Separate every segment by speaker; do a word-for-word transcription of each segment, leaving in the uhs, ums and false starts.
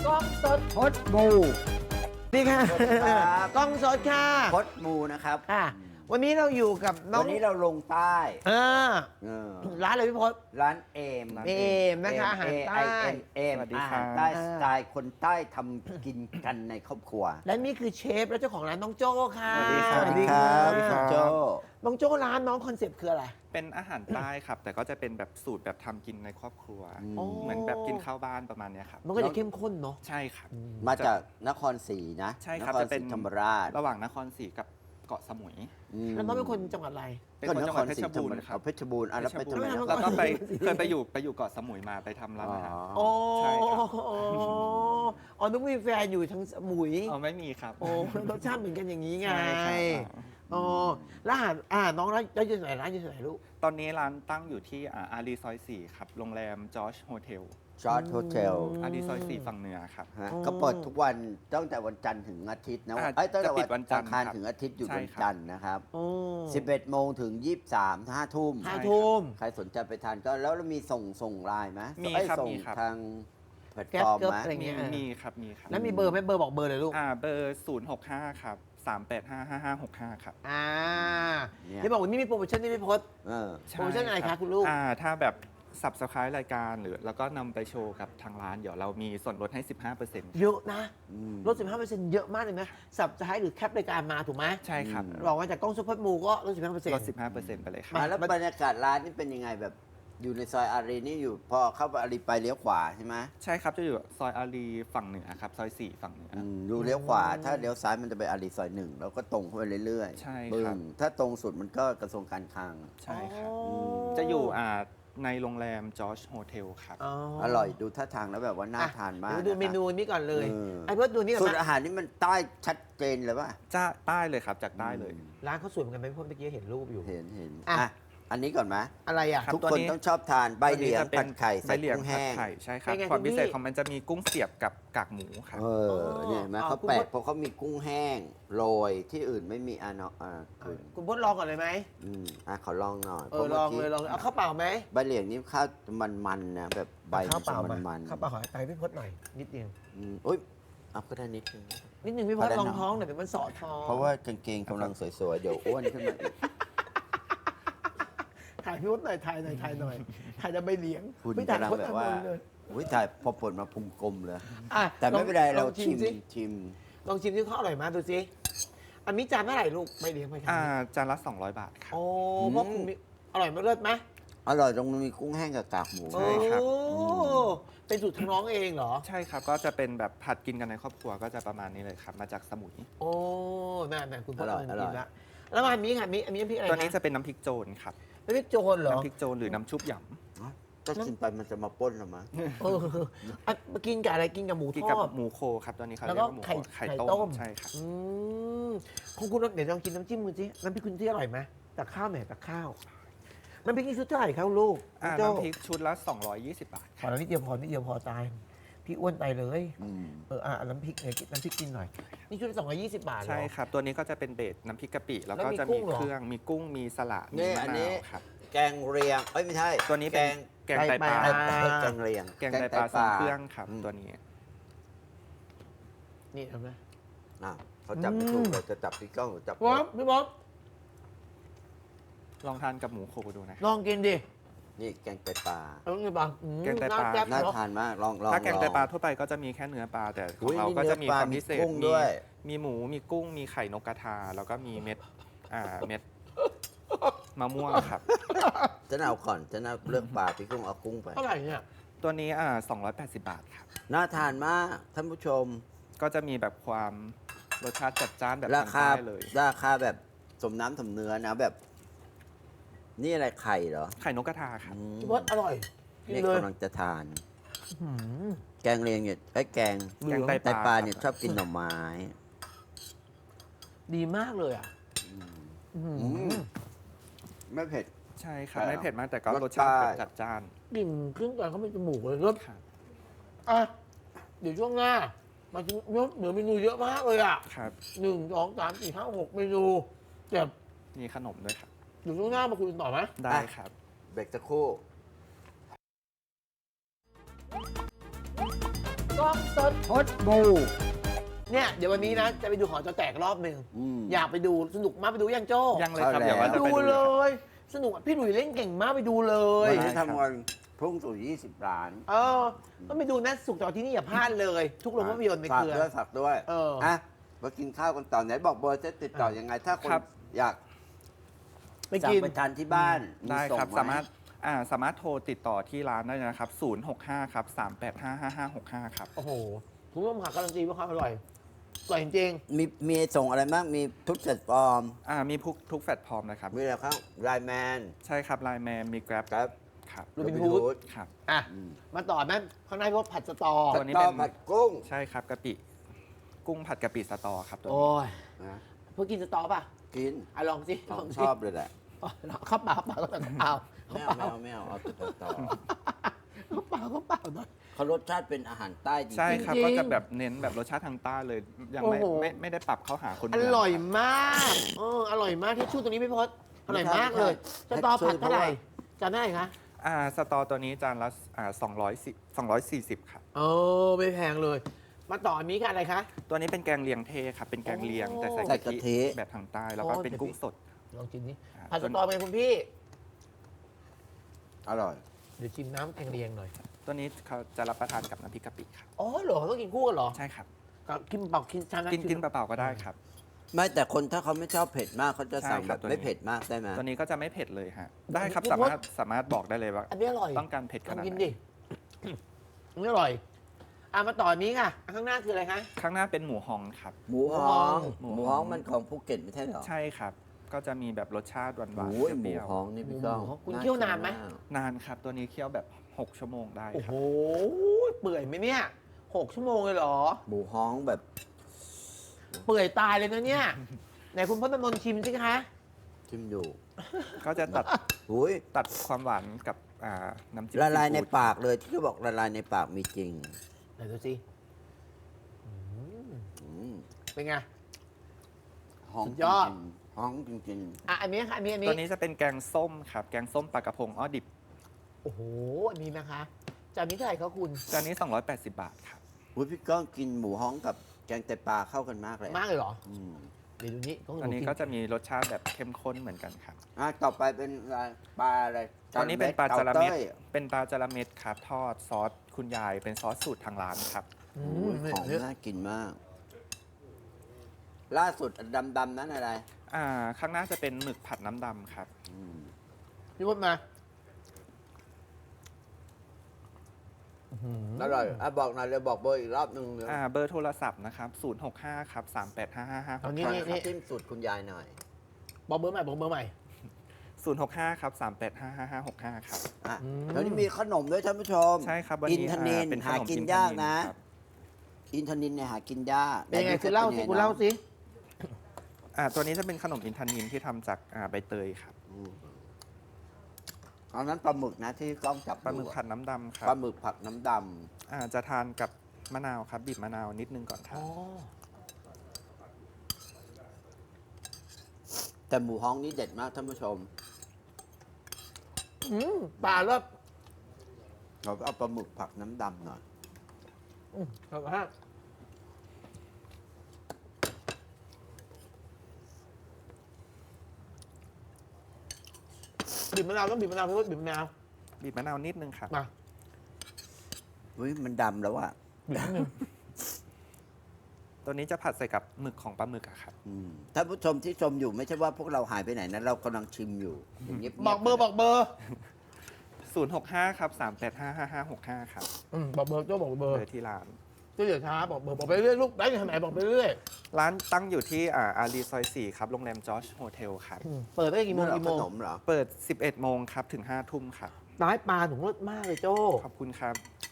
Speaker 1: กล้องสด
Speaker 2: พดมู
Speaker 1: นี่ค่ะ
Speaker 2: สวัสดีครับ
Speaker 1: กล้องสดค่ะ
Speaker 2: พดมูนะครับ
Speaker 1: อ่ะวันนี้เราอยู่กับน้อง
Speaker 2: วันนี้เราลงใต้
Speaker 1: เออ
Speaker 2: เออ
Speaker 1: ร้านอะไรพี่พศ
Speaker 2: ร้านเอม
Speaker 1: เอมนะคะอาหารใต้
Speaker 2: เอม
Speaker 3: สวัสดี
Speaker 2: อา
Speaker 3: ครั
Speaker 2: หา
Speaker 3: บ
Speaker 2: รใต้สไตล์คนใต้ทำกินกันในครอบครัว
Speaker 1: และนี่คือเชฟและเจ้าของร้านน้องโจ้ค่ะ
Speaker 3: สวัสดีครับ
Speaker 1: สวัสดีค่ะ
Speaker 3: สวัสดีครับ
Speaker 2: โจ
Speaker 1: น้องโจ้ร้านน้องคอนเซปต์คืออะไร
Speaker 3: เป็นอาหารใต้ครับ แต่ก็จะเป็นแบบสูตรแบบทำกินในครอบครัว
Speaker 1: อ๋อ
Speaker 3: เหมือนแบบกินข้าวบ้านประมาณเนี้ยครับ
Speaker 1: มันก็จะเข้มข้นเนาะ
Speaker 3: ใช่ครับ
Speaker 2: มาจากนครศรีนะ
Speaker 3: ใช่ครับ
Speaker 2: นคร
Speaker 3: จะ
Speaker 2: ศ
Speaker 3: เป็
Speaker 2: รี
Speaker 3: น
Speaker 2: ธรรมราช
Speaker 3: ระหว่างนครศรีกับเกาะสมุย
Speaker 2: อืม
Speaker 1: แล้วน้องเป็นคนจังหวัดอะไร
Speaker 3: เป็น
Speaker 2: ก็
Speaker 3: คน
Speaker 2: น
Speaker 3: จัง
Speaker 2: ค
Speaker 3: หวัด
Speaker 2: ร
Speaker 3: เพ
Speaker 2: ศรี
Speaker 3: ชร
Speaker 2: ธร
Speaker 3: บู
Speaker 2: รม
Speaker 3: รณ์ค
Speaker 2: เอา
Speaker 3: รับ
Speaker 2: เพชรบูรณ์อ่ะแล้วไปทำไม
Speaker 1: เพชรบูรณ์
Speaker 2: นคร
Speaker 3: แล้วก็ไป
Speaker 1: ศรี
Speaker 3: เคยไปอยู่ไปอยู่เกาะสมุยมาไปทำร้าน
Speaker 2: อ๋อ
Speaker 3: อาหาร
Speaker 1: อ๋อ
Speaker 3: ใช่ครับ
Speaker 1: อ๋ออ๋อนุ๊กมีแฟนอยู่ทั้งสมุย
Speaker 3: เอาไม่มีครับ
Speaker 1: โอ้รสชาติเหมือนกันอย่างนี้ไง
Speaker 3: ใช่ครับ
Speaker 1: อ๋อแล้วอาหารอ่าน้องร้านร้านอยู่ไหนร้านอยู่ไหนลูก
Speaker 3: ตอนนี้ร้านตั้งอยู่ที่อ่าอารีซอยสี่ครับ โรงแรมจอร์จโฮเทล
Speaker 2: จอร์จโฮเทล
Speaker 3: อารีซอยสี่ฝั่งเหนือครับ
Speaker 2: ฮะ
Speaker 1: อ๋อ
Speaker 2: ก็เปิดทุกวันตั้งแต่วันจันทร์ถึงอาทิตย์นะ
Speaker 3: อ่า
Speaker 2: เอ้ยตั้งแต่
Speaker 3: จะปิดวันจันทร์
Speaker 2: อังคาร
Speaker 3: ครับ
Speaker 2: ถึงอาทิตย์อยู่
Speaker 3: ใช่
Speaker 2: วัน
Speaker 3: ครับ
Speaker 2: จันทร์นะครับ
Speaker 1: โอ้
Speaker 2: สิบเอ็ดโมงถึงยี่สิบสามห้าทุ่ม
Speaker 1: ห้า
Speaker 3: ใช่
Speaker 1: ทุ่ม
Speaker 2: ใครสนใจไปทานก็แล้วเรามีส่งส่งไลน์ไหม
Speaker 3: มี
Speaker 2: เอ้ย
Speaker 3: ครับ
Speaker 2: ส่ง
Speaker 3: มีครับ
Speaker 2: ทางแพลต
Speaker 1: แก๊
Speaker 2: ฟ
Speaker 1: ป
Speaker 2: อร์ม
Speaker 1: เกิบ
Speaker 2: ไหม
Speaker 1: อะไร
Speaker 3: มี
Speaker 1: เงี้ย
Speaker 3: มีครับมีครับ
Speaker 1: แล้วมีเบอร์ไหมเบอร์บอกเบอร์เลยลูก
Speaker 3: อ่าเบอร์ศูนย์หกห้าครับสามแปดห้าห้าห้าหกห้าครับ
Speaker 1: อ่า
Speaker 2: เนี่ย
Speaker 1: ที่บอกว่านี่มีโปรโมชั่นที่ไม่พด
Speaker 2: เออ
Speaker 3: ใช่
Speaker 1: โปรโมชั่นอะไรคะคุณลูก
Speaker 3: อ่าถ้าแบบ Subscribe รายการหรือแล้วก็นำไปโชว์กับทางร้าน เดี๋ยวเรามีส่วนลดให้ สิบห้าเปอร์เซ็นต์
Speaker 1: เยอะนะ
Speaker 2: อืม
Speaker 1: ลด สิบห้าเปอร์เซ็นต์ เยอะมากเลยนะสับท้ายหรือแคปรายการมาถูกไหม
Speaker 3: ใช่ครับ
Speaker 1: ลองมาจากกล้องซุปเปอร์มูก็ลด สิบห้าเปอร์เซ็นต์
Speaker 3: ลด สิบห้าเปอร์เซ็นต์ ไปเลยครับ
Speaker 2: อ่ะแล้วบรรยากาศร้านนี่เป็นยังไงแบบอยู่ในซอยอารีนี่อยู่พอเข้าไปอารีไปเลี้ยวขวาใช่ไหม
Speaker 3: ใช่ครับ จะอยู่ซอยอารีฝั่งเหนือครับ ซอยสี่ฝั่งเหนืออ
Speaker 2: อืมดูเลี้ยวขวา ถ้าเลี้ยวซ้ายมันจะไปอารีซอยหนึ่งแล้วก็ตรงเข้าไปเรื่อยๆ
Speaker 3: ใช่
Speaker 2: ปึ้
Speaker 3: ครับ
Speaker 2: งถ้าตรงสุดมันก็กระทรวงการคลัง
Speaker 3: ใช่ครับ
Speaker 1: อ๋อ
Speaker 3: จะอยู่อ่าในโรงแรมจอร์จโฮเทลครับ
Speaker 1: อ๋อ
Speaker 2: อร่อยดูท่าทางแล้วแบบว่าน่า
Speaker 1: อ่ะ
Speaker 2: ทานมาก
Speaker 1: เดี๋ยวดูเมนูนี้ก่อนเลย
Speaker 2: เออ
Speaker 1: ไอ้เพื่อนดูนี่ก่
Speaker 2: สู
Speaker 1: อน
Speaker 2: ตร
Speaker 1: นะ
Speaker 2: อาหารนี่มันใต้ชัดเจนเลยป่ะ
Speaker 3: จะใต้เลยครับ จากใต้เลย
Speaker 1: ร้านเขาสวยเหมือนกันไหมเพื่อนเมื่อกี้เห็นรูปอยู่
Speaker 2: เห็นเห็น
Speaker 1: อ่ะ
Speaker 2: อ่ะอันนี้ก่อนไหม
Speaker 1: อะไรอ่ะ
Speaker 3: ครับ
Speaker 2: ทุก
Speaker 3: ตัว
Speaker 2: คน
Speaker 3: นี้
Speaker 2: ต้องชอบทานใบเหลียง
Speaker 3: ตัวนี้จะป็
Speaker 2: ผั
Speaker 3: น
Speaker 2: ดไข่
Speaker 3: ใบ
Speaker 2: ใส่
Speaker 3: เหลียง
Speaker 2: กุ้ง
Speaker 3: ผัด
Speaker 2: แห้ง
Speaker 3: ไข่ใช่ครับ
Speaker 1: เป็นไง
Speaker 3: ความ
Speaker 1: คุณ
Speaker 3: พิเศษ
Speaker 1: พี่
Speaker 3: ของมันจะมีกุ้งเสียบกับกากหมูครับ
Speaker 2: เออเนี่ยเห็นไหม
Speaker 1: อ๋อ
Speaker 2: เขา
Speaker 1: คุณ
Speaker 2: แปล
Speaker 1: พ
Speaker 2: ก
Speaker 1: จน์
Speaker 2: เพราะเขามีกุ้งแห้งโรยที่อื่นไม่มีอ่ะเนาะอ่ะคือ
Speaker 1: คุณพจน์ลองก่อนเลยไหม
Speaker 2: อืมอ่ะขอลองหน่อย
Speaker 1: เออลองเลยลองเลยเอาข้าวเปล่าไหม
Speaker 2: ใบเหลียงนี่ข้าวมันๆนะแบบใบ
Speaker 1: ข้าวเปล่า
Speaker 2: มัน
Speaker 1: มา
Speaker 2: มัน
Speaker 1: ข้าวเปล่าขอไตพี่พจน์หน่อยนิดเดียว
Speaker 2: อืมอุ้ยเอาก็ได้นิดนึง
Speaker 1: นิดนึงพี่พจ
Speaker 2: เอาได้
Speaker 1: น์ลอง
Speaker 2: หน่อย
Speaker 1: ท้องหน่อยเป็นมันสอดท้อง
Speaker 2: เพราะว่ากางเกงกำลังสวยๆ เดี๋ยวอ้วนขึ้นมาอีก
Speaker 1: ถ่ายพี่พจน์หน่อยถ่ายหน่อยถ่ายหน่อยถ่ายจะไปเลี้ยง
Speaker 2: คุณ
Speaker 1: ไม่ถ่าย
Speaker 2: กำลัง
Speaker 1: พจน์
Speaker 2: แบบว่า
Speaker 1: ทำเลย
Speaker 2: อุ้ยถ่ายพอปลดมาพุงกลมเลย
Speaker 1: อ่ะ
Speaker 2: แต่ไม่เป็นไร
Speaker 1: ล
Speaker 2: เรา
Speaker 1: อง
Speaker 2: ชิม
Speaker 1: สิ
Speaker 2: ชิม
Speaker 1: ลองชิมที่เขาอร่อยมากดูสิอันนี้จานเท่าไหร่ลูกไปเลี้ยงไปครั
Speaker 3: อ่าจานละ สองร้อย บาทครับ
Speaker 1: โอ้เพราะคุณมีอร่อยมากเลิศไหม
Speaker 2: อร่อยตรงมีกุ้งแห้งกับกากหมู
Speaker 3: ใช่ครับ
Speaker 1: โอ้เป็นสูตรทางน้องเองเหรอ
Speaker 3: ใช่ครับ ก็จะเป็นแบบผัดกินกันในครอบครัวก็จะประมาณนี้เลยครับ มาจากสมุย
Speaker 1: โอ้แม่แม่คุณพ่อ
Speaker 2: อร่อย
Speaker 1: ล
Speaker 2: อ
Speaker 1: อง
Speaker 2: ร่
Speaker 1: กิ
Speaker 2: อน ย
Speaker 1: ละแล้วมาอันนี้ค่ะมีอันนี้น้ำพริกอะไร
Speaker 3: ตัวนี้
Speaker 1: คะ
Speaker 3: จะเป็นน้ำพริกโจนครับ
Speaker 1: น้ำพริกโจรเหรอ
Speaker 3: น้ำพริกโจนหรือน้ำชุบหย
Speaker 2: ถ้ากินไปมันจะมาปล้นเหรือมะ
Speaker 1: เอออ่ะมากินกับอะไรกินกับหมู
Speaker 3: ำกิน
Speaker 1: ท
Speaker 3: กับ
Speaker 1: อด
Speaker 3: หมูโคครับตัวนี้เขา
Speaker 1: แล้ว
Speaker 3: เรีย
Speaker 1: ก็
Speaker 3: กว่าหมูโค
Speaker 1: ไข่
Speaker 3: ไข่
Speaker 1: ไข่
Speaker 3: ต้
Speaker 1: ต้
Speaker 3: ม
Speaker 1: ม
Speaker 3: ใช่ครับ
Speaker 1: อืมของคุณเดี๋ยวลองกินน้ำจิ้มมือสิน้ำพริกคุณที่อร่อยไหมตักข้าวหน่อยตักข้าวน้ำพริกนี่ชุดเท่าไหร่ครับลูก
Speaker 3: อ่า
Speaker 1: โจ้
Speaker 3: น้ำพริกชุดละ สองร้อยยี่สิบ บาท
Speaker 1: ขอนิดเดียวพอนิดเดียวพอตาย พี่อ้วนตายเลย
Speaker 2: อืม
Speaker 1: เอออ่ะน้ำพริกเนี่ยน้ำพริกกินหน่อย นี่ชุดละสองร้อยยี่สิบบาทเหรอ
Speaker 3: ใช่ครับ ตัวนี้ก็จะเป็นเบสน้ำพริกกะปิ แล้วก็
Speaker 1: แล้วมี
Speaker 3: จะ
Speaker 1: กุ้
Speaker 3: มี
Speaker 1: งเหรอ
Speaker 3: เครื่องมีกุ้งมีสละมี
Speaker 2: นี่
Speaker 3: มะ
Speaker 2: อัน
Speaker 3: นา
Speaker 2: นี้
Speaker 3: วครับ
Speaker 2: แกงเรียงเอ้ยไม่ใช่
Speaker 3: ตัวนี้
Speaker 2: แก
Speaker 3: เป็น
Speaker 2: ง
Speaker 3: แกงไตปลา
Speaker 1: ไตปลา
Speaker 2: แกงเรียง
Speaker 3: แกงไตปลาทรงเครื่องครับ
Speaker 2: ม
Speaker 3: ตัวนี้
Speaker 1: นี่ทำไหม
Speaker 2: อ่ะเขาจับไม่ถูกเราจะจับพี่ก้องหรือจับ
Speaker 1: บ๊อบพี่บ๊อบ
Speaker 3: ลองทานกับหมูโคดูนะ
Speaker 1: ลองกินดิ
Speaker 2: นี่แกงไตปลา
Speaker 1: เอาไงบ้างอืม
Speaker 3: แกงไตปลา
Speaker 1: น้ำแซ่บ
Speaker 2: น่า
Speaker 1: เนอะ
Speaker 2: ทานมากลองลอง
Speaker 3: ถ้าแกงไตปลา
Speaker 2: ลอง
Speaker 3: ทั่วไปก็จะมีแค่เนื้อปลาแต่ข
Speaker 2: อุ๊
Speaker 3: อง
Speaker 2: ย
Speaker 3: เราก็
Speaker 2: มีเนื้อ
Speaker 3: จะมี
Speaker 2: ปลา
Speaker 3: ความพิเศษ
Speaker 2: มีกุ้ง
Speaker 3: มี
Speaker 2: ด้วย
Speaker 3: มีหมูมีกุ้งมีไข่นกกระทา แล้วก็มีเม็ดอ่าเม็ดมะม่วงครับ
Speaker 2: จะเอาก่อนจะเอาเลือกปลาพี่กุ้งเอากุ้งไป
Speaker 1: เท่าไหร่เนี่ย
Speaker 3: ตัวนี้อ่าสองร้อยแปดสิบ บาทครับ
Speaker 2: น่าทานมากท่านผู้ชม
Speaker 3: ก็จะมีแบบความรสชาติจัดจ้านแบบ
Speaker 2: ราคา
Speaker 3: ทนได้เลย
Speaker 2: ราคาแบบสมน้ำสมเนื้อนะแบบ นี่อะไรไข่เหรอ
Speaker 3: ไข่นกกระทาครับ
Speaker 2: อืม
Speaker 1: พี่บ๊อบอร่อยกิน
Speaker 2: นี่
Speaker 1: เลย
Speaker 2: กำลังจะทาน
Speaker 1: หืม
Speaker 2: แกงเลียงเนี่ยไอ้ยแกง
Speaker 3: แกงไต
Speaker 2: ไตปลาเนี่ย
Speaker 3: ครับ
Speaker 2: ชอบกินหน่อไม้
Speaker 1: ดีมากเลยอ่ะอื้อหือ
Speaker 2: อืมไม่เผ็ด
Speaker 3: ใช่ครับ
Speaker 2: ใช่
Speaker 3: ไม่เผ็ดมากแต่ก็
Speaker 2: ร
Speaker 3: ร
Speaker 2: ส
Speaker 3: สชาติ
Speaker 2: ชาติ
Speaker 3: แบบจัดจ้าน
Speaker 1: กลิ่นเครื่องแกงเขาเป็นจมูกเลยรส
Speaker 3: ครับ
Speaker 1: อ่ะเดี๋ยวช่วงหน้า มากินเยอะเหนือเมนูเยอะมากเลยอ่ะ
Speaker 3: ครับ
Speaker 1: หนึ่งสองสามสี่ห้าหกเมนูแต่
Speaker 3: มีขนมด้วยครับ
Speaker 1: เดี๋ยวช่วงหน้ามาคุยกันต่อไหม
Speaker 3: ได้ครับ
Speaker 2: เบรกสักครู่
Speaker 1: กล้องสด
Speaker 2: พดบู
Speaker 1: เนี่ยเดี๋ยววันนี้นะจะไปดูหอจะแตกรอบหนึ่ง
Speaker 2: อืม
Speaker 1: อยากไปดูสนุกมากไปดูยังโจ้
Speaker 3: ยังเลยครับ
Speaker 2: เอาแล้ว
Speaker 3: เดี๋ยวว่าจะ
Speaker 1: ดู
Speaker 3: ไปดู
Speaker 1: เล
Speaker 3: เลยครับ
Speaker 1: ย สนุกอะพี่หลุยเล่นเก่งมากไปดูเลย
Speaker 2: วันนี้ทำเงินพุ่งสู่ยี่สิบล้าน
Speaker 1: เออต้องไปดูนะสุกร์เสาร์ที่นี่อย่าพลาดเลย ทุกโรงภาพยนตร์ใน
Speaker 2: ฝาก
Speaker 1: เครือ
Speaker 2: ด้วยฝากด้วย
Speaker 1: เออ
Speaker 2: อ่ะมากินข้าวกันต่อไหนบอกเบอร์จะติดต่อยังไง ถ้าคน
Speaker 3: ครับ
Speaker 2: อยาก
Speaker 1: ไป
Speaker 2: สั่ง
Speaker 1: กิน
Speaker 2: ไปทานที่บ้าน
Speaker 3: ได้ครับ
Speaker 2: ส่งไห
Speaker 3: สามารถอ่าสามารถโทรติดต่อที่ร้านได้นะครับ ศูนย์ หก ห้า ครับ สาม แปด ห้า ห้า ห้า หก ห้า ครับ
Speaker 1: โอ้โหคุณผู้ชมค่ะการันตีว่าความอร่อยอร่อยจริง
Speaker 2: มีมีส่งอะไรบ้างมีทุกแพลตฟอร์ม
Speaker 3: อ่ามีทุกทุกแฟลตฟอร์มนะครับ
Speaker 2: มีอะไรครับไลแมน
Speaker 3: ใช่ครับไลน์แมนมี Grab
Speaker 2: ครับ
Speaker 3: ครับ
Speaker 1: ๆ Robin Hood
Speaker 3: ครับ
Speaker 1: อ่ะ
Speaker 2: อืม
Speaker 1: มาต่อแม่ข้างในพวกผัดสตอ
Speaker 3: ตัวนี้
Speaker 2: ต่
Speaker 3: เป็
Speaker 2: อน ผัดกุ้ง
Speaker 3: ใช่ครับกะปิ กุ้งผัดกะปิสตอครับตัว
Speaker 1: โอ้
Speaker 3: นี้
Speaker 1: ย
Speaker 2: นะ
Speaker 1: เพื่อกินสตอป่ะ
Speaker 2: กิน
Speaker 1: อ่ะลองสิ
Speaker 2: ข
Speaker 1: ล
Speaker 2: อ
Speaker 1: อง ง
Speaker 2: ช
Speaker 1: สิ
Speaker 2: อบเลยแหละ
Speaker 1: อ๋อเข้าเปล่าเข้าเปล่าเข้าเปล่าเข้า
Speaker 2: ไม่
Speaker 1: เป
Speaker 2: เอา
Speaker 1: ล่า
Speaker 2: ไม่เอาไม่เอาเอาแต่ต่อ
Speaker 1: เข้าเปล่าเข้าเปล่าหน่อย
Speaker 2: เขารสชาติเป็นอาหารใต้จริงๆ
Speaker 3: ใช่ครับ
Speaker 1: จริงๆ
Speaker 3: ก็จะแบบเน้นแบบรสชาติทางใต้เลย ยังไม่
Speaker 1: โอ้โห
Speaker 3: ไม่ไม่ได้ปรับเข้าหาคน
Speaker 1: อ
Speaker 3: เมืง
Speaker 1: ร่อยมากเอออร่อยมากที่ชูตรงนี้ไม่พอดอร่อยมากเลยสตอผัดเท่าไหร่จำได้ไหมคะ
Speaker 3: อ่าสตอตัวนี้จานละอ่าสองร้อยสิบสองร้อยสี่สิบครับ
Speaker 1: เออไม่แพงเลย มาต่ออันนี้กันอะไรคะ
Speaker 3: ตัวนี้เป็นแกงเลียงเทครับ เป็นแกงเลียง
Speaker 1: โอ้
Speaker 3: แต่ใส่
Speaker 2: ใส่
Speaker 3: กะ
Speaker 2: กะทิ
Speaker 3: ทิแบบทางใต้ แล้วก็
Speaker 1: โอ้
Speaker 3: เป็นกุ้งสด
Speaker 1: ลองชิมนี้
Speaker 3: อ่า
Speaker 1: ผัดสตอเป็นไงคุณพี่
Speaker 2: อร่อย
Speaker 1: เดี๋ยวชิมน้ำแกงเลียงหน่อย
Speaker 3: ตัวนี้เขาจะรับประทานกับน้ำพริกกะปิครับ
Speaker 1: อ๋อเหรอต้องกินคู่กันเหรอ
Speaker 3: ใช่ครับ
Speaker 1: กับกินเปล่ากินชาม
Speaker 3: กินกินเปล่าๆก็ได้ครับ
Speaker 2: ไม่แต่คนถ้าเขาไม่ชอบเผ็ดมากเขาจะสั่ง
Speaker 3: ใช่ค
Speaker 2: แบ
Speaker 3: รับบ ตัวนี้
Speaker 2: ไม่เผ็ดมากได้ไหม
Speaker 3: ตัวนี้ก็จะไม่เผ็ดเลยฮะ ได้ครับสามารถสามารถบอกได้เลยว่า
Speaker 1: อันนี้อร่อย
Speaker 3: ต้องการเผ็ด
Speaker 1: ล
Speaker 3: ข
Speaker 1: อง
Speaker 3: นาด
Speaker 1: กิน
Speaker 3: ไหน
Speaker 1: ดิอันนี้อร่อยอ่ะมาต่ออันนี้ค่ะอันข้างหน้าคืออะไรคะ
Speaker 3: ข้างหน้าเป็นหมูฮองครับ
Speaker 2: หมูฮ้อง
Speaker 3: หมู
Speaker 2: หมู
Speaker 3: ฮ้
Speaker 2: ฮ้
Speaker 3: อ
Speaker 2: อง งมันของภูเก็ตไม่ใช่เหรอ
Speaker 3: ใช่ครับ ก็จะมีแบบรสชาติหวาน
Speaker 2: โอ้ย
Speaker 3: ๆ
Speaker 2: ห
Speaker 3: เป
Speaker 2: มู
Speaker 3: รี้ยว
Speaker 2: ฮ้องนี่พี่ก้อง
Speaker 1: คุณเคี่ยวนานไหม
Speaker 2: ก
Speaker 3: ๆนานครับ ตัวนี้เคี่ยวแบบ 6 ชั่วโมงได้
Speaker 1: โอ้
Speaker 3: ค
Speaker 1: โห
Speaker 3: รับ
Speaker 1: เปื่อยไหมเนี่ยหกชั่วโมงเลยเหรอ
Speaker 2: หมูฮ้องแบบ
Speaker 1: เปื่อยตายเลยนะเนี่ย ไหนคุณพ่อตำนนชิมสิคะ
Speaker 2: ชิมอยู่
Speaker 3: ก็จะตัด
Speaker 2: อุ้ย
Speaker 3: ตัดความหวานกับอ่าน้ำจิ้ม
Speaker 2: ละลายใน
Speaker 3: ซีฟู้ด
Speaker 2: ปากเลยที่เขาบอกละลายในปากมีจริง
Speaker 1: ไหนดูสิอืม
Speaker 2: อืม
Speaker 1: เป็นไง
Speaker 2: ฮ้อง
Speaker 1: สุด
Speaker 2: จ
Speaker 1: ยอด
Speaker 2: ริงๆฮ้องจริง
Speaker 1: อ่ะอันนี้ค่ะอันนี้อันนี้
Speaker 3: ตัวนี้จะเป็นแกงส้มครับ แกงส้มปลากระพงอ้อดิบ
Speaker 1: โอ้โหอันนี้นะคะจานนี้เท่าไหร่คะคุณ
Speaker 3: จานนี้ สองร้อยแปดสิบ บาทครับ
Speaker 2: ๆอุ้ยพี่ก้องกินหมูฮ้องกับแกงไตปลาเข้ากันมากเลย
Speaker 1: มากเลยเหรอ
Speaker 2: อืม
Speaker 1: เดี๋ยวดูนี้ต้อง
Speaker 3: อันนี้
Speaker 1: ดู
Speaker 3: ก็จะมีรสชาติแบบเข้มข้นเหมือนกันครับ
Speaker 2: อ่ะต่อไปเป็นอะไรปลาอะไร
Speaker 3: ตัวนี้เป็นปลาจาระเม็ด
Speaker 2: ต้ย
Speaker 3: เป็นปลาจาระเม็ดครับทอดซอสคุณยาย เป็นซอสสูตรทางร้านครับ
Speaker 1: อื
Speaker 2: โอ้
Speaker 1: ม
Speaker 2: ยของ
Speaker 1: เนี่ย
Speaker 2: น่ากินมาก ล่าสุดดำๆนั้นอะไร
Speaker 3: อ่า ข้างหน้าจะเป็นหมึกผัดน้ำดำครับ
Speaker 2: อืม
Speaker 1: พี่วุฒิมาอื้อหื
Speaker 2: อร่อยอ่ะบอกหน่อยเลยบอกเบอร์อีกรอบหนึ่งเลย
Speaker 3: อ่า เบอร์โทรศัพท์นะครับ ศูนย์ หก ห้า ครับ สาม แปด ห้า ห้า ห้า
Speaker 1: เอานี่
Speaker 2: ขอ
Speaker 1: นี่
Speaker 2: ข้าว
Speaker 1: นี่
Speaker 2: จิ้มสูตรคุณยายหน่อย
Speaker 1: บอกเบอร์ใหม่บอกเบอร์ใหม่
Speaker 3: ศูนย์ หก ห้า ครับ สาม แปด ห้า ห้า ห้า หก ห้า ครับ
Speaker 2: อ่ะ
Speaker 1: อืม
Speaker 2: แล้วนี่มีขนมด้วยท่านผู้ชม
Speaker 3: ใช่ครับวัน
Speaker 2: อิน
Speaker 3: นี้
Speaker 2: ทนิน
Speaker 3: อ่าเป็นข
Speaker 2: หาน
Speaker 3: ม
Speaker 2: กิน
Speaker 3: อินท
Speaker 2: ยาก
Speaker 3: นิน
Speaker 2: นะ
Speaker 3: ครับ
Speaker 2: อินทนินเนี่ยหากินยาก
Speaker 1: เป็นยังไงคุณเล่าสิคุณเล่าสิ
Speaker 3: อ่า ตัวนี้จะเป็นขนมอินทนินที่ทำจากอ่าใบเตยครับ
Speaker 2: อืมเอานั้นปลาหมึกนะที่กล้องจับ
Speaker 3: ปลาหมึก
Speaker 2: ดูอะ
Speaker 3: ผัดน้ำดำครั
Speaker 2: ปลา
Speaker 3: บ
Speaker 2: หมึกผักน้ำด
Speaker 3: อ่า จะทานกับมะนาวครับ บีบมะนาวนิดนึงก่อนครั
Speaker 1: อ๋
Speaker 3: บ
Speaker 1: อ
Speaker 2: ำแต่หมูฮ้องนี่เด็ดมากท่านผู้ชม
Speaker 1: อืมปลาเลิศ
Speaker 2: เราเอาปลาหมึกผักน้ำดำหน่อย
Speaker 1: อืมครับฮะบีบมะนาวต้องบีบมะนาวพี่วุฒิบีบมะนาว
Speaker 3: บีบมะนาวนิดนึงครับ
Speaker 1: มา
Speaker 2: อุ้ยมันดำแล้วอะ
Speaker 1: บีบนิดนึง
Speaker 3: ตัวนี้จะผัดใส่กับหมึกของปลาหมึกอะครับ
Speaker 2: อืมท่านผู้ชมที่ชมอยู่ไม่ใช่ว่าพวกเราหายไปไหนนะเรากำลังชิมอยู่เงียบๆ
Speaker 1: บอกเบอร์บอกเบอร์
Speaker 3: ศูนย์ หก ห้า ครับ สาม แปด ห้า ห้า ห้า หก ห้า ครับ
Speaker 1: อืมบอกเบอร์เจ้าบอกเบอร์
Speaker 3: เบอร์ที่ร้าน
Speaker 1: เจ้าเดี๋ยวช้าบอกเบอร์บอกไปเรื่อยลูกได้ยังไงบอกไปเรื่อย
Speaker 3: ร้านตั้งอยู่ที่อ่าอารีซอย สี่ ครับ โรงแรมจอร์จโฮเทลครับ
Speaker 1: อืมเปิดได้กี่โมง
Speaker 2: นี่เหรอ
Speaker 1: กี่
Speaker 2: ข
Speaker 1: โมง
Speaker 2: นมเหรอ
Speaker 3: เปิด สิบเอ็ด โมงครับ ถึง ห้า ทุ่มครับ
Speaker 1: ร้ายปลาถุงรสมากเลยโจ้
Speaker 3: ขอบคุณครับ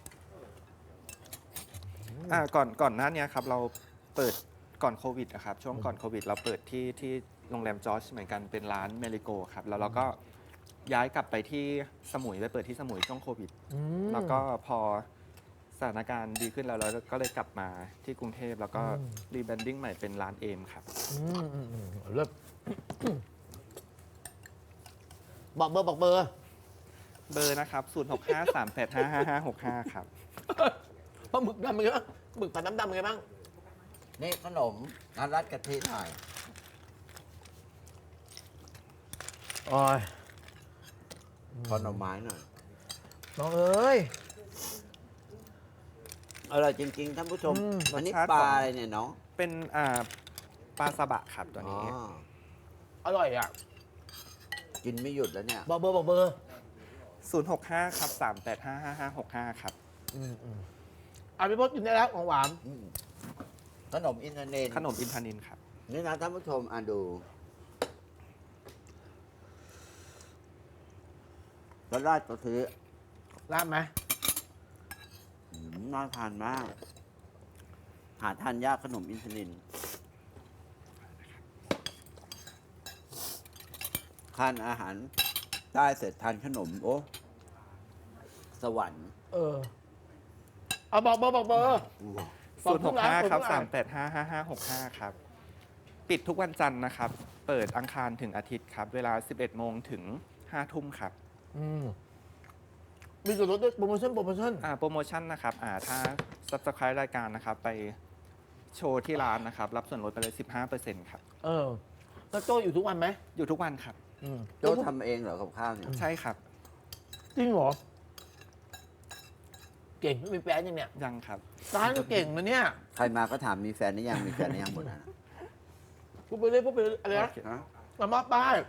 Speaker 3: อ่า ก่อน ก่อนหน้านี้ครับ เราเปิดก่อนโควิดนะครับ ช่วงก่อนโควิด เราเปิดที่ที่โรงแรมจอร์จเหมือนกัน เป็นร้านเมริโกครับ แล้วเราก็ย้ายกลับไปที่สมุย ไปเปิดที่สมุยช่วงโควิด
Speaker 1: อืม
Speaker 3: แล้วก็พอสถานการณ์ดีขึ้นแล้วเราก็เลยกลับมาที่กรุงเทพแล้วก็
Speaker 1: อืม
Speaker 3: รีแบรนดิ้งใหม่เป็นร้านเอมครับ
Speaker 1: อืมอืมอืมเลิศบอกเบอร์บอกเบอร์
Speaker 3: เบอร์นะครับ ศูนย์ หก ห้า สาม แปด ห้า ห้า ห้า หก ห้า ครับ
Speaker 1: ปลาหมึกดำเป็นไงบ้างหมึกผัดน้ำดำเป็นไงบ้าง
Speaker 2: นี่ขนมอันรัดกะทิหน่อย
Speaker 1: โอ้ย
Speaker 2: ขอหน่อไม้หน่อย
Speaker 1: น้องเอ้ย
Speaker 2: อร่อยจริงๆท่านผู้ชม
Speaker 1: อืม
Speaker 2: วันนี้
Speaker 3: รสชาติ
Speaker 2: ปลา
Speaker 3: ของ
Speaker 2: อะไรเนี่ยน้อง
Speaker 3: เป็นอ่าปลาซาบะครับตัวนี้
Speaker 2: อ๋อ
Speaker 1: อร่อยอ่ะ
Speaker 2: กินไม่หยุดแล้วเนี่ย
Speaker 1: บอกเบอร์บอกเบอร์
Speaker 3: ศูนย์หกห้าครับสามแปดห้าห้าห้าหกห้าครับ
Speaker 1: อืมอืมอ่ะพี่พศกินได้แล้วของหวาน
Speaker 2: อืมขนมอินเทอร์เน็ต
Speaker 3: ขนมอินทนินครับ
Speaker 2: นี่นะท่านผู้ชมอ่ะดูแล้วราดกะทิ
Speaker 1: ราดไหม
Speaker 2: อืมน่าทานมาก หาทานยากขนมอินทนินทานอาหารได้เสร็จทานขนม โอ้สวรรค์
Speaker 1: เออเอาบอกเบอร์บอกเบอร์
Speaker 3: ศูนย์หกห้าครับ
Speaker 1: บอกทุกร้า
Speaker 3: สาน มแปดห้าห้าห้าหกห้าครับ ปิดทุกวันจันทร์นะครับ เปิดอังคารถึงอาทิตย์ครับ เวลา สิบเอ็ดโมงถึงห้าทุ่มครับ
Speaker 1: อืมมีส่วนลดด้วยโปรโมชั่นโปรโมชั่น
Speaker 3: อ่าโปรโมชั่นนะครับอ่าถ้า Subscribe รายการนะครับ ไปโชว์ที่ร้านนะครับ รับส่วนลดไปเลย สิบห้าเปอร์เซ็นต์ ครับ
Speaker 1: เออแล้วโจ้อยู่ทุกวันไหม
Speaker 3: อยู่ทุกวันครับ
Speaker 1: อืม
Speaker 2: โจ้ทำเองเหรอกับข้าวเนี่ย
Speaker 3: ใช่ครับ
Speaker 1: จริงเหรอ เก่งไม่มีแฟนยังเนี่ย
Speaker 3: ยังครับ
Speaker 1: ร้านก็เก่งนะเนี่ย
Speaker 2: ใครมาก็ถามมีแฟนหรือยังมีแฟนหรือยังหมดนะ
Speaker 1: พูดไปเรื่อยพูดไปเรื่อยอะไรนะ
Speaker 3: โอเค
Speaker 2: ฮะ
Speaker 1: มามาป้าย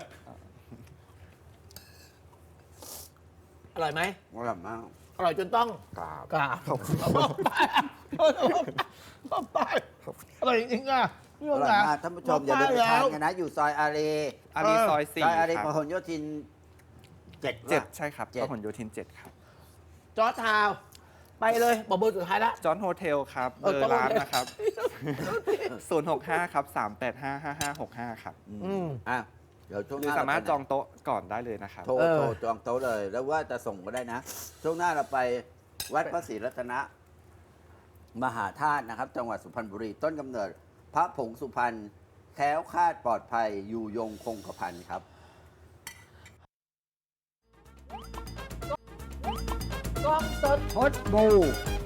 Speaker 1: อร่อยไหม
Speaker 2: อร่อยมาก
Speaker 1: อร่อยจนต้อง
Speaker 2: กราบ
Speaker 1: กราบขอบคุณป้ายป้ายอร่อยจริงๆอ่ะพี่
Speaker 2: อ
Speaker 1: โง
Speaker 2: ร่อย
Speaker 1: นะ
Speaker 2: มากท่านผู้ชมอย่าลืมไปทานกันนะ อยู่ซอยอารี
Speaker 3: อารีซอยสี่
Speaker 2: ซอยอารี
Speaker 3: ค
Speaker 2: พ
Speaker 3: รับ
Speaker 2: หลโยธินเจ็ด
Speaker 3: เจ็ด
Speaker 2: ว่ะ
Speaker 3: ใช่ครับ
Speaker 2: เจ็ด
Speaker 3: พหลโยธินเจ็ดครับ
Speaker 1: จอร์จทาวน์ไปเลยบอกเบอร์สุดท้ายละ
Speaker 3: จอห์นโฮเทลครับ
Speaker 1: เอ
Speaker 3: เบ
Speaker 1: อ
Speaker 3: อร์ร้าน
Speaker 1: จอห์นโฮเทล
Speaker 3: นะครับ ศูนย์หกห้าครับสามแปดห้าห้าห้าหกห้าครับ
Speaker 1: อืม
Speaker 2: อ่ะเดี๋ยวช่วง
Speaker 3: ห
Speaker 2: ห
Speaker 3: รือ
Speaker 2: น้า
Speaker 3: สามารถ
Speaker 2: เไป
Speaker 3: จองโต๊ะก่อนได้เลยนะครับ
Speaker 2: โทร
Speaker 1: เออ
Speaker 2: โทรจองโต๊ะเลย แล้วว่าจะส่งก็ได้นะ ช่วงหน้าเราไปวัดพระศรีรัตนมหาธาตุนะครับ จังหวัดสุพรรณบุรี ต้นกำเนิด พระผงสุพรรณแคล้วคลาดปลอดภัยอยู่ยงคงกระพันครับ
Speaker 1: กล้องสด
Speaker 2: พดบู